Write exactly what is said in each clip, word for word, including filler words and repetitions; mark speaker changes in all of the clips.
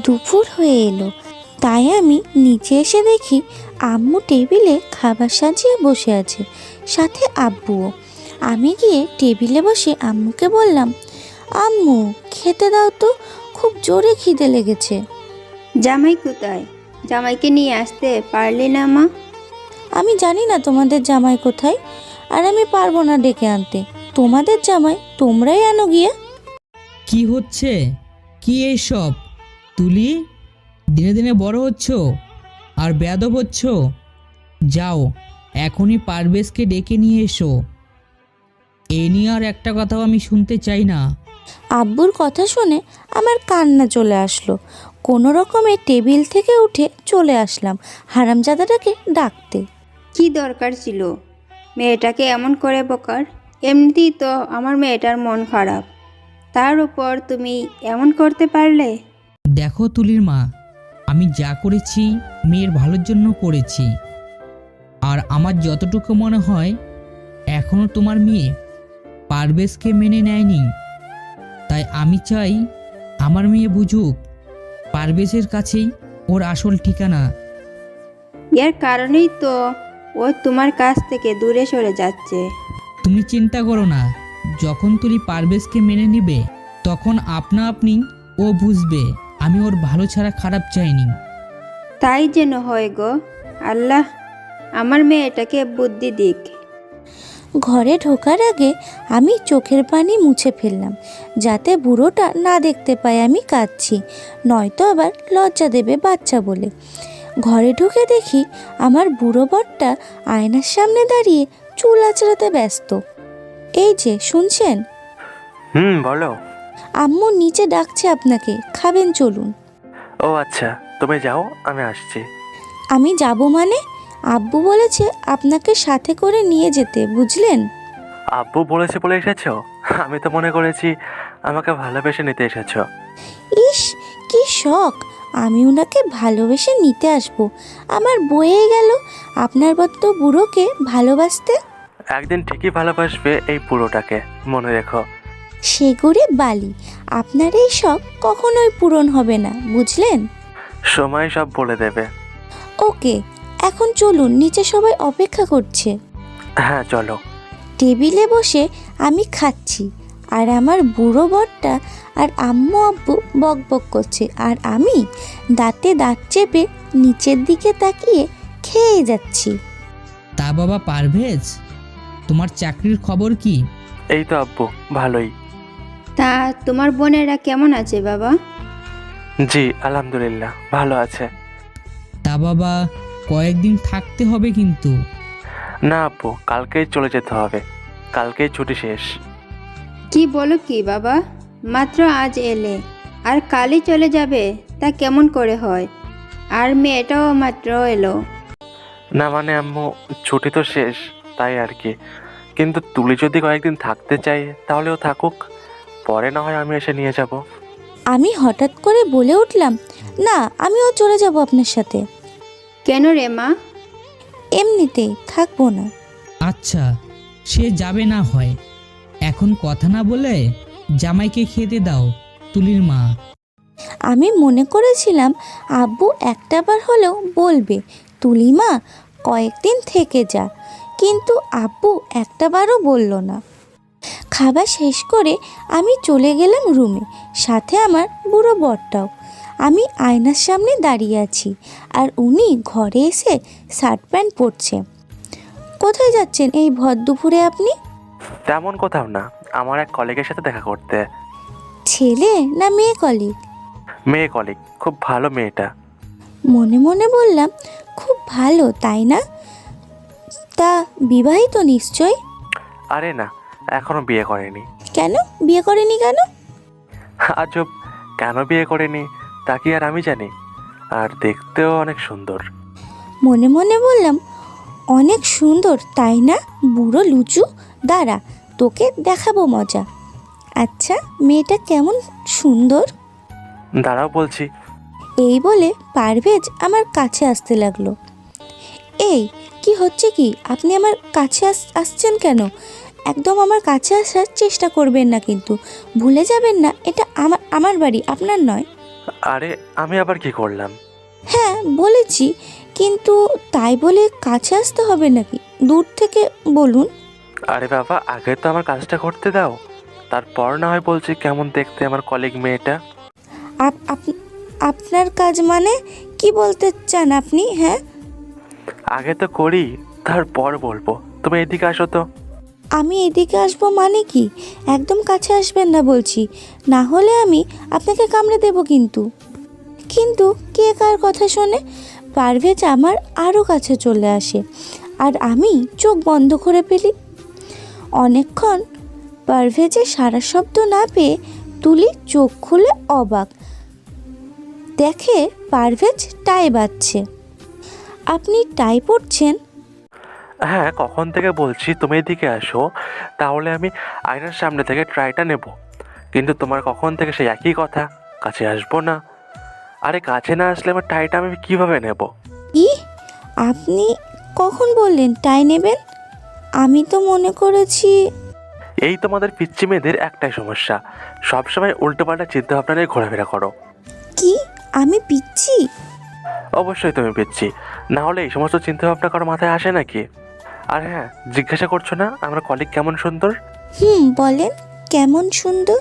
Speaker 1: দুপুর হয়ে এলো, তাই আমি নিচে এসে দেখি আম্মু টেবিলে খাবার সাজিয়ে বসে আছে, সাথে আব্বুও। আমি গিয়ে টেবিলে বসে আম্মুকে বললাম, আম্মু খেতে দাও তো, খুব জোরে খিদে লেগেছে।
Speaker 2: জামাই কোথায়? জামাইকে নিয়ে আসতে পারলি না মা?
Speaker 1: আমি জানি না তোমাদের জামাই কোথায়, আর আমি পারবো না ডেকে আনতে। তোমাদের জামাই তোমরাই আনো গিয়ে।
Speaker 3: কি হচ্ছে কি এইসব? তুলি, দিনে দিনে বড় হচ্ছ আর বেয়াদব হচ্ছ। যাও এখনই পারভেজকে ডেকে নিয়ে এসো। এ নিয়ে আর একটা কথাও আমি শুনতে চাই না।
Speaker 1: আব্বুর কথা শুনে আমার কান্না চলে আসলো। কোনো রকমে টেবিল থেকে উঠে চলে আসলাম হারামজাদাটাকে ডাকতে।
Speaker 2: কি দরকার ছিল মেয়েটাকে এমন করে বকার? এমনিতেই তো আমার মেয়েটার মন খারাপ, তার উপর তুমি এমন করতে পারলে?
Speaker 3: দেখো তুলির মা, আমি যা করেছি মেয়ের ভালোর জন্য করেছি। আর আমার যতটুকু মনে হয় এখনও তোমার মেয়ে পারভেজকে মেনে নেয়নি। তাই আমি চাই আমার মেয়ে বুঝুক পারভেজের কাছেই ওর আসল ঠিকানা।
Speaker 2: এর কারণেই তো ও তোমার কাছ থেকে দূরে সরে যাচ্ছে।
Speaker 3: তুমি চিন্তা করো না, যখন তুলি পারভেজকে মেনে নিবে তখন আপনা আপনি ও বুঝবে আমি ওর ভালো ছাড়া খারাপ চাইনি।
Speaker 2: তাই যেন হয় গো, আল্লাহ আমার মেয়েটাকে বুদ্ধি দিক।
Speaker 1: ঘরে ঢোকার আগে আমি চোখের পানি মুছে ফেললাম, যাতে বুড়োটা না দেখতে পায় আমি কাঁদছি, নয়তো আবার লজ্জা দেবে বাচ্চা বলে। ঘরে ঢুকে দেখি আমার বুড়ো বরটা আয়নার সামনে দাঁড়িয়ে চুল আঁচড়াতে ব্যস্ত। এই যে শুনছেন?
Speaker 4: হুম, বলো।
Speaker 1: আম্মু নিচে ডাকছে আপনাকে, খাবেন চলুন।
Speaker 4: ও আচ্ছা, তুমি যাও, আমি আসছি।
Speaker 1: আমি যাব মানে? আব্বু বলেছে আপনাকে সাথে করে নিয়ে যেতে, বুঝলেন?
Speaker 4: আব্বু বলেছে বলে এসেছো? আমি তো মনে করেছি আমাকে ভালোবেসে নিতে এসেছো।
Speaker 1: ইস, কি শখ! আমি ওনাকে ভালোবেসে নিতে আসবো? আমার বয়ে গেল আপনার মতো বুড়োকে ভালোবাসতে।
Speaker 4: একদিন ঠিকই ভালোবাসবে এই পুরোটাকে, মনে রেখো।
Speaker 1: সেগুড়ে বালি, আপনার এই শখ কখনোই পূরণ হবে না, বুঝলেন?
Speaker 4: সময় সব বলে দেবে।
Speaker 1: ওকে, এখন চলুন, নিচে সবাই অপেক্ষা করছে।
Speaker 4: হ্যাঁ চলো।
Speaker 1: টেবিলে বসে আমি খাচ্ছি, আর আমার বুড়ো বরটা আর আম্মু আব্বু বক বক করছে, আর আমি দাঁতে দাঁত চেপে নিচের দিকে তাকিয়ে খেয়ে যাচ্ছি।
Speaker 3: তা বাবা পারভেজ, তোমার চাকরির খবর কি?
Speaker 4: এই তো আব্বু, ভালোই।
Speaker 2: তা তোমার বোনেরা কেমন আছে বাবা?
Speaker 4: জি আলহামদুলিল্লাহ, ভালো আছে।
Speaker 3: তা বাবা কয়েকদিন থাকতে হবে কিন্তু।
Speaker 4: না আব্বু, কালকেই চলে যেতে হবে, কালকেই ছুটি শেষ।
Speaker 2: কি বলো কি বাবা, মাত্র আজ এলে আর কালই চলে যাবে? তা কেমন করে হয়? আর মেয়েটাও মাত্র এলো।
Speaker 4: না মানে আম্মু, ছুটি তো শেষ, তাই আর কি। কিন্তু তুলি যদি কয়েকদিন থাকতে চাই তাহলেও থাকুক, পরে না হয় আমি এসে নিয়ে যাব।
Speaker 1: আমি হঠাৎ করে বলে উঠলাম, না, আমিও চলে যাব আপনার সাথে।
Speaker 2: কেন রে মা?
Speaker 1: এমনিতেই থাকবো না।
Speaker 3: আচ্ছা, সে যাবে না হয়, এখন কথা না বলে জামাইকে খেতে দাও তুলির মা।
Speaker 1: আমি মনে করেছিলাম আব্বু একটাবার হলেও বলবে, তুলিমা কয়েকদিন থেকে যা, কিন্তু আব্বু একটাবারও বলল না। খাবার শেষ করে আমি চলে গেলাম রুমে, সাথে আমার বুড়ো বরটাও। আমি আয়নার সামনে দাঁড়িয়ে আছি, আর উনি ঘরে এসে শার্ট প্যান্ট পরছে। কোথায় যাচ্ছেন এই ভর দুপুরে আপনি?
Speaker 4: তেমন কোথাও না, আমার এক কলিগের সাথে দেখা করতে।
Speaker 1: ছেলে না মেয়ে কলিগ?
Speaker 4: মেয়ে কলিগ, খুব ভালো মেয়েটা।
Speaker 1: মনে মনে বললাম, খুব ভালো তাই না? তা বিবাহিত নিশ্চয়?
Speaker 4: আরে না, এখনো বিয়ে করেনি।
Speaker 1: কেন বিয়ে করেনি কেন?
Speaker 4: আজব, কেন বিয়ে করেনি তা কি আর আমি জানি? আর দেখতেও অনেক সুন্দর।
Speaker 1: মনে মনে বললাম, অনেক সুন্দর তাই না? বুড়ো লুচু, দাঁড়া তোকে দেখাবো মজা। আচ্ছা, মেয়েটা কেমন সুন্দর?
Speaker 4: দাঁড়াও বলছি।
Speaker 1: এই বলে পারভেজ আমার কাছে আসতে লাগলো। এই কি হচ্ছে কি? আপনি আমার কাছে আস আসছেন কেন? একদম আমার কাছে আসার চেষ্টা করবেন না, কিন্তু ভুলে যাবেন না এটা আমার আমার বাড়ি, আপনার নয়।
Speaker 4: আরে আমি আবার কি করলাম?
Speaker 1: হ্যাঁ বলেছি, কিন্তু তাই বলে কাছে আসতে হবে নাকি? দূর থেকে বলুন।
Speaker 4: আরে বাবা, আগে তো আমার কাজটা করতে দাও, তারপর না হয় বলছি কেমন দেখতে আমার কলিগ মেয়েটা।
Speaker 1: আপ আপ- আপনার কাজ মানে কি বলতে চান আপনি? হ্যাঁ,
Speaker 4: আগে তো করি, তারপর বলবো। তুমি এদিকে আসো তো।
Speaker 1: আমি এদিকে আসবো মানে কি? একদম কাছে আসবেন না বলছি, না হলে আমি আপনাকে কামড়ে দেব কিন্তু। কিন্তু কে কার কথা শোনে? পারভেজ আমার আরও কাছে চলে আসে আর আমি চোখ বন্ধ করে ফেলি। অনেকক্ষণ পারভেজের সারা শব্দ না পেয়ে তুলি চোখ খুলে অবাক, দেখে পারভেজ টাই বাজছে। আপনি টাই পড়ছেন?
Speaker 4: হ্যাঁ, কখন থেকে বলছি তুমি এদিকে আসো, তাহলে আমি আয়নার সামনে থেকে ট্রাইটা নেব। কিন্তু তোমার কখন থেকে সেই একই কথা, কাছে আসবো না। আরে কাছে না আসলে আমার টাইটা আমি কিভাবে নেব?
Speaker 1: ই, আপনি কখন বললেন টাই নেবেন? আমি তো মনে করেছি।
Speaker 4: এই তোমাদের পিচ্চি মেয়েদের একটাই সমস্যা, সবসময় উল্টোপাল্টা চিন্তা ভাবনা নিয়ে ঘোরাফেরা করো।
Speaker 1: কি, আমি পিচ্ছি?
Speaker 4: অবশ্যই তুমি পিচ্ছি, না হলে এই সমস্ত চিন্তা ভাবনা কারো মাথায় আসে নাকি? আর হ্যাঁ, জিজ্ঞাসা করছো না আমার কলিগ কেমন সুন্দর?
Speaker 1: হুম, বলেন কেমন সুন্দর?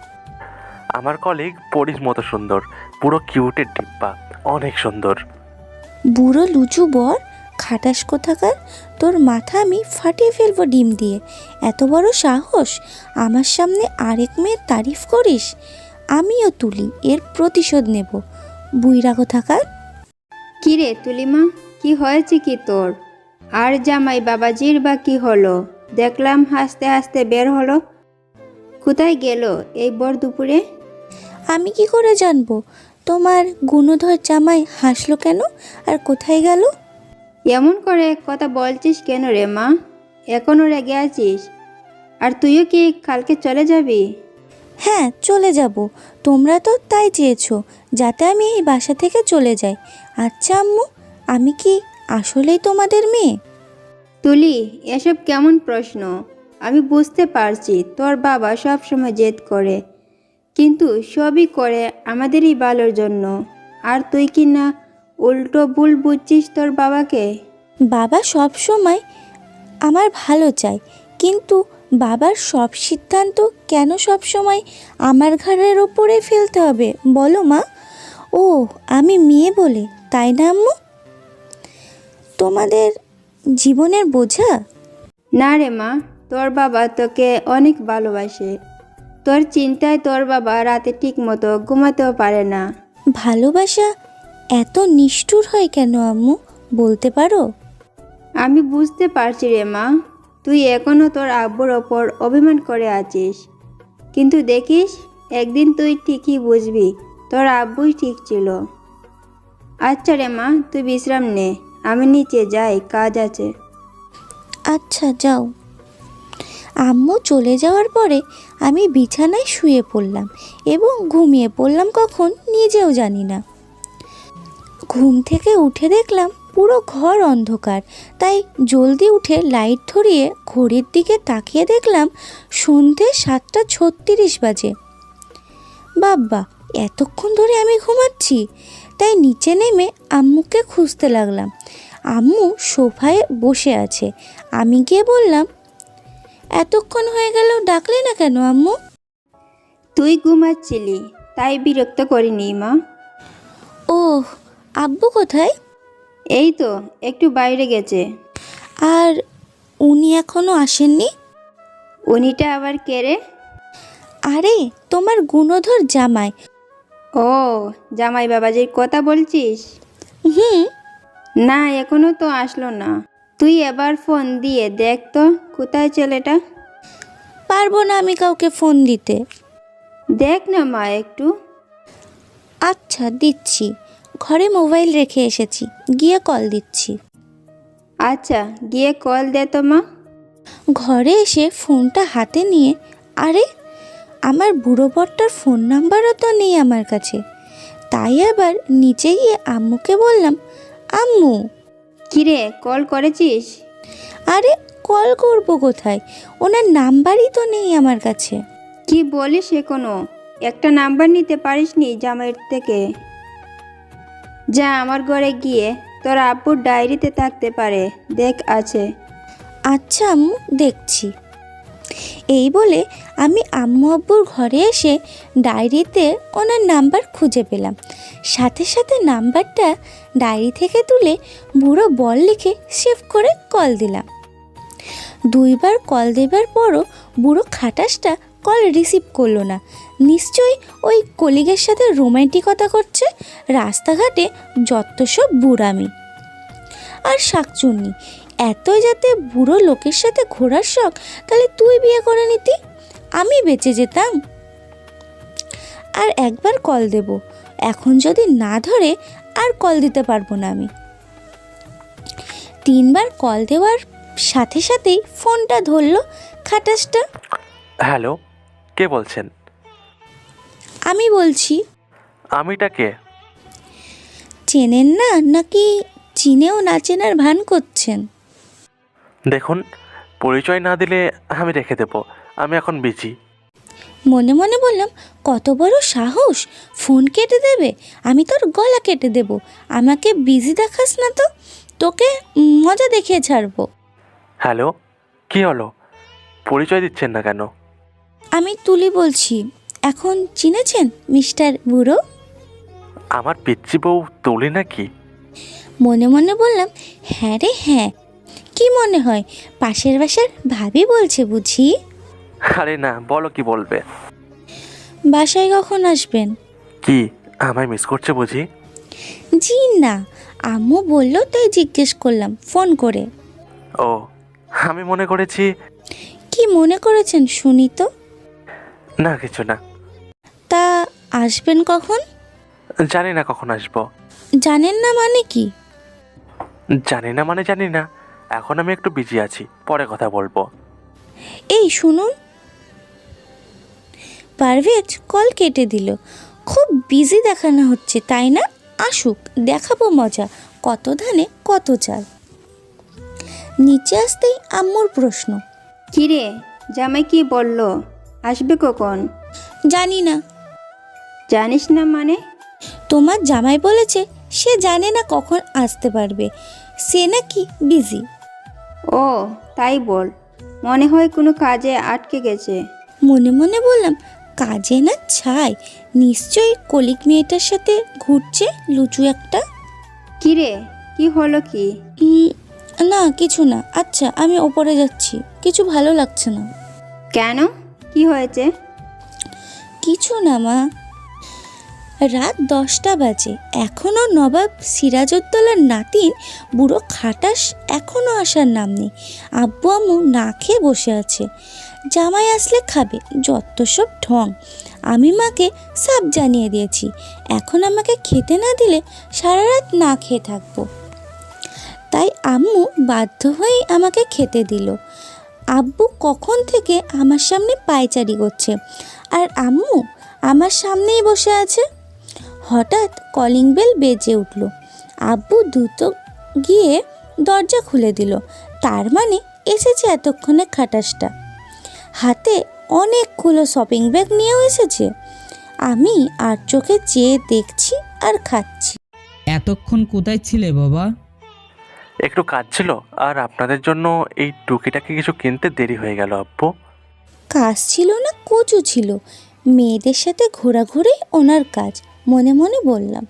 Speaker 4: আমার কলিগ পরির মতো সুন্দর, পুরো কিউটের ডিব্বা, অনেক সুন্দর।
Speaker 1: বুড়ো লুচু বর, খাটাস কোথাকার, তোর মাথা আমি ফাটিয়ে ফেলবো ডিম দিয়ে। এত বড় সাহস, আমার সামনে আরেক মেয়ের তারিফ করিস? আমিও তুলি, এর প্রতিশোধ নেব, বুইরা কোথাকার।
Speaker 2: কি রে তুলিমা, কি হয়েছে কি তোর? আর জামাই বাবাজির বা কি হলো? দেখলাম হাসতে হাসতে বের হলো। কোথায় গেল এই বর দুপুরে?
Speaker 1: আমি কি করে জানবো? তোমার গুণধর জামাই হাসলো কেন আর কোথায় গেল?
Speaker 2: এমন করে কথা বলছিস কেন রে মা? এখনও রেগে আছিস? আর তুইও কি কালকে চলে যাবি?
Speaker 1: হ্যাঁ চলে যাব, তোমরা তো তাই চেয়েছো, যাতে আমি এই বাসা থেকে চলে যাই। আচ্ছা আম্মু, আমি কি আসলেই তোমাদের মেয়ে?
Speaker 2: তুলি, এসব কেমন প্রশ্ন? আমি বুঝতে পারছি তোর বাবা সব সময় জেদ করে, কিন্তু সবই করে আমাদেরই ভালোর জন্য। আর তুই কি না উল্টো ভুল বুঝছিস তোর বাবাকে?
Speaker 1: বাবা সব সময় আমার ভালো চায়, কিন্তু বাবার সব সিদ্ধান্ত কেন সব সময় আমার ঘাড়ের ওপরে ফেলতে হবে বলো মা? ও, আমি মেয়ে বলে তাই না আম্মু? তোমাদের জীবনের বোঝা?
Speaker 2: না রে মা, তোর বাবা তোকে অনেক ভালোবাসে। তোর চিন্তায় তোর বাবা রাতে ঠিক মতো ঘুমাতেও পারে না।
Speaker 1: ভালোবাসা এত নিষ্ঠুর হয় কেন আম্মু, বলতে পারো?
Speaker 2: আমি বুঝতে পারছি রে মা, তুই এখনও তোর আব্বুর ওপর অভিমান করে আছিস, কিন্তু দেখিস একদিন তুই ঠিকই বুঝবি তোর আব্বুই ঠিক ছিল। আচ্ছা রে মা, তুই বিশ্রাম নে, আমি নিচে যাই, কাজ আছে।
Speaker 1: আচ্ছা যাও। আম্মু চলে যাওয়ার পরে আমি বিছানায় শুয়ে পড়লাম এবং ঘুমিয়ে পড়লাম কখন নিজেও জানি না। ঘুম থেকে উঠে দেখলাম পুরো ঘর অন্ধকার, তাই জলদি উঠে লাইট ধরিয়ে ঘড়ির দিকে তাকিয়ে দেখলাম সন্ধে সাতটা ছত্রিশ বাজে। বাব্বা, এতক্ষণ ধরে আমি ঘুমাচ্ছি! তাই নিচে নেমে আম্মুকে খুঁজতে লাগলাম। আম্মু সোফায় বসে আছে। আমি গিয়ে বললাম, এতক্ষণ হয়ে গেল ডাকলে না কেন আম্মু?
Speaker 2: তুই ঘুমাচ্ছিলি তাই বিরক্ত করিনি মা।
Speaker 1: ওহ, আব্বু কোথায়?
Speaker 2: এই তো একটু বাইরে গেছে।
Speaker 1: আর উনি এখনো আসেননি?
Speaker 2: উনিটা আবার কে রে?
Speaker 1: আরে তোমার গুণধর জামাই।
Speaker 2: ও, জামাই বাবাজির কথা বলছিস?
Speaker 1: হুম।
Speaker 2: না, এখনো তো আসলো না। তুই এবার ফোন দিয়ে দেখ তো কোথায় ছেলেটা।
Speaker 1: পারবো না আমি কাউকে ফোন দিতে।
Speaker 2: দেখ না মা একটু।
Speaker 1: আচ্ছা দিচ্ছি, ঘরে মোবাইল রেখে এসেছি, গিয়ে কল দিচ্ছি।
Speaker 2: আচ্ছা, গিয়ে কল দে তো মা।
Speaker 1: ঘরে এসে ফোনটা হাতে নিয়ে, আরে আমার বুড়ো বরটার ফোন নাম্বারও তো নেই আমার কাছে। তাই আবার নিচে গিয়ে আম্মুকে বললাম, আম্মু।
Speaker 2: কিরে, কল করেছিস?
Speaker 1: আরে কল করবো কোথায়, ওনার নাম্বারই তো নেই আমার কাছে।
Speaker 2: কি বলিস এখনো? একটা নাম্বার নিতে পারিসনি জামাইয়ের থেকে? যা আমার ঘরে গিয়ে তোর আব্বুর ডায়েরিতে থাকতে পারে, দেখ আছে।
Speaker 1: আচ্ছা আম্মু, দেখছি। এই বলে আমি আম্মু আব্বুর ঘরে এসে ডায়েরিতে ওনার নাম্বার খুঁজে পেলাম। সাথে সাথে নাম্বারটা ডায়েরি থেকে তুলে বুড়ো বল লিখে সেভ করে কল দিলাম। দুইবার কল দেবার পরও বুড়ো খাটাসটা কল রিসিভ করলো না। নিশ্চয়ই ওই কলিগের সাথে রোম্যান্টিকতা করছে। রাস্তাঘাটে যত সব বুড়ামি আর শাকচুন্নি, এতই যাতে বুড়ো লোকের সাথে ঘোরার শখ, তাহলে তুই বিয়ে করে নিতি, আমি বেঁচে যেতাম। আর একবার কল দেব, এখন যদি না ধরে আর কল দিতে পারবো না আমি। তিনবার কল দেওয়ার সাথে সাথেই ফোনটা ধরলো খাটাসটা।
Speaker 4: হ্যালো, কে বলছেন?
Speaker 1: আমি বলছি।
Speaker 4: আমিটা কে?
Speaker 1: চেনেন না নাকি চিনেও না চেনার ভান করছেন?
Speaker 4: দেখুন, পরিচয় না দিলে আমি রেখে দেবো, আমি এখন বিজি।
Speaker 1: মনে মনে বললাম, কত বড় সাহস, ফোন কেটে দেবে? আমি তোর গলা কেটে দেব। আমাকে বিজি দেখাস না তো, তোকে মজা দেখিয়ে ছাড়বো।
Speaker 4: হ্যালো, কি হলো? পরিচয় দিচ্ছেন না কেন?
Speaker 1: আমি তুলি বলছি। এখন চিনেছেন মিস্টার বুড়ো?
Speaker 4: আমার পিচ্চি বউ তুলি নাকি?
Speaker 1: মনে মনে বললাম, হ্যাঁ রে হ্যাঁ। কি মনে হয় পাশের বাসার ভাবি বলছে বুঝি?
Speaker 4: আরে না, বলো কি বলবে।
Speaker 1: বাসায় কখন আসবেন?
Speaker 4: কি আমায় মিস করছে বুঝি?
Speaker 1: জি না, আম্মু বললো তাই জিজ্ঞেস করলাম ফোন করে।
Speaker 4: ও, আমি মনে করেছি।
Speaker 1: কি মনে করেছেন শুনি তো?
Speaker 4: না কিছু না।
Speaker 1: তা আসবেন কখন?
Speaker 4: জানি না কখন আসবো।
Speaker 1: জানেন না মানে কি?
Speaker 4: জানি না মানে জানি না, এখন আমি একটু বিজি আছি, পরে কথা বলবো।
Speaker 1: এই শুনুন। পারভেজ কল কেটে দিল। খুব বিজি দেখানো হচ্ছে তাই না? আসুক, দেখাবো মজা, কত ধানে কত চাল। নিচে আসতেই আম্মুর প্রশ্ন।
Speaker 2: কিরে, জামাই কি বলল? আসবে কখন?
Speaker 1: জানি না।
Speaker 2: জানিস না মানে?
Speaker 1: তোমার জামাই বলেছে সে জানে না কখন আসতে পারবে, সে নাকি বিজি।
Speaker 2: ও তাই বল, মনে হয় কোনো কাজে আটকে গেছে।
Speaker 1: মনে মনে বললাম, কাজে না ছাই, নিশ্চয়ই কলিক মেয়েটার সাথে ঘুরছে লুচু একটা।
Speaker 2: কিরে, কি হলো কি?
Speaker 1: উম, না কিছু না। আচ্ছা আমি ওপরে যাচ্ছি, কিছু ভালো লাগছে না।
Speaker 2: কেন, কি হয়েছে?
Speaker 1: কিছু না মা। রাত দশটা বাজে, এখনও নবাব সিরাজউদ্দৌলার নাতিন বুড়ো খাটাস এখনও আসার নাম নেই। আব্বু আম্মু না খেয়ে বসে আছে। জামাই আসলে খাবে, যত সব ঢং। আমি মাকে সব জানিয়ে দিয়েছি, এখন আমাকে খেতে না দিলে সারা রাত না খেয়ে থাকবো। তাই আম্মু বাধ্য হয়েই আমাকে খেতে দিল। আব্বু কখন থেকে আমার সামনে পায়চারি করছে, আর আম্মু আমার সামনেই বসে আছে। হঠাৎ কলিং বেল বেজে উঠল। আব্বু দ্রুত গিয়ে দরজা খুলে দিল। তার মানে এসেছে এতক্ষণে খাটাসটা। হাতে অনেকগুলো শপিং ব্যাগ নিয়েও এসেছে। আমি আর চোখে চেয়ে দেখছি আর খাচ্ছি।
Speaker 3: এতক্ষণ কোথায় ছিলে বাবা?
Speaker 4: একটু কাজ ছিল, আর আপনাদের জন্য এই টুকিটাকি কিছু কিনতে দেরি হয়ে গেল আব্বু।
Speaker 1: কাজ ছিল না কচু ছিল, মেয়েদের সাথে ঘোরাঘুরি ওনার কাজ। মনে মনে বললাম,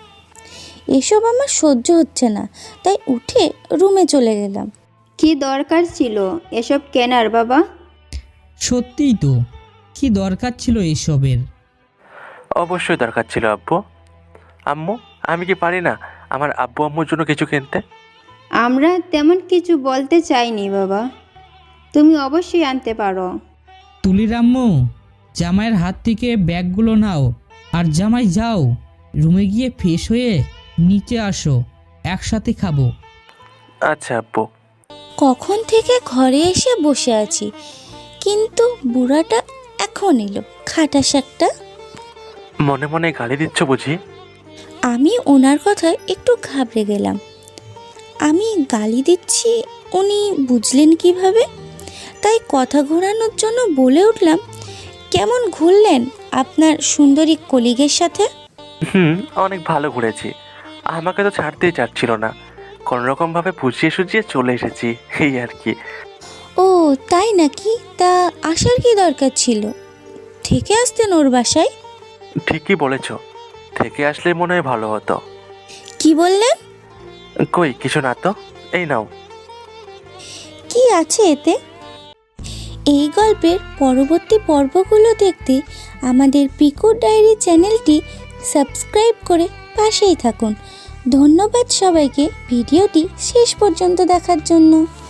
Speaker 1: এসব আমার সহ্য হচ্ছে না, তাই উঠে রুমে চলে গেলাম।
Speaker 2: কি দরকার ছিল এসব কেনার বাবা?
Speaker 3: সত্যিই তো, কি দরকার ছিল এসবের?
Speaker 4: অবশ্যই দরকার ছিল আব্বু। আম্মু, আমি কি পারি না আমার আব্বু আম্মুর জন্য কিছু কিনতে?
Speaker 2: আমরা তেমন কিছু বলতে চাইনি বাবা, তুমি অবশ্যই আনতে পারো।
Speaker 3: তুলির আম্মু, জামাইয়ের হাত থেকে ব্যাগগুলো নাও, আর জামাই যাও রুমে গিয়ে ফ্রেশ হয়ে নিচে আসো, একসাথে খাবো।
Speaker 4: আচ্ছা আব্বু।
Speaker 1: কখন থেকে ঘরে এসে বসে আছি, কিন্তু বুড়াটা এখন এলো, খাটাস একটা।
Speaker 4: মনে মনে গালি দিচ্ছ বুঝি?
Speaker 1: আমি ওনার কথায় একটু ঘাবড়ে গেলাম। আমি গালি দিচ্ছি উনি বুঝলেন কিভাবে? তাই কথা ঘোরানোর জন্য বলে উঠলাম, কেমন ঘুরলেন আপনার সুন্দরী কলিগের সাথে?
Speaker 4: হুম, অনেক ভালো ঘুরেছি। আমাকে তো ছাড়তেই চাচ্ছিল না, কোনোরকমভাবে বুঝিয়ে সুঝিয়ে চলে এসেছি, এই আর কি।
Speaker 1: ও তাই নাকি? তা আসার কি দরকার ছিল? থেকে আসতেন ওর বাসায়।
Speaker 4: ঠিকই বলেছ, থেকে আসলে মনে হয় ভালো হতো।
Speaker 1: কি বললেন?
Speaker 4: কই কিছু না তো, এই নাও।
Speaker 1: কি আছে এতে? এই গল্পের পরবর্তী পর্বগুলো দেখতে আমাদের পিকু ডায়েরি চ্যানেলটি সাবস্ক্রাইব করে পাশেই থাকুন। ধন্যবাদ সবাইকে ভিডিওটি শেষ পর্যন্ত দেখার জন্য।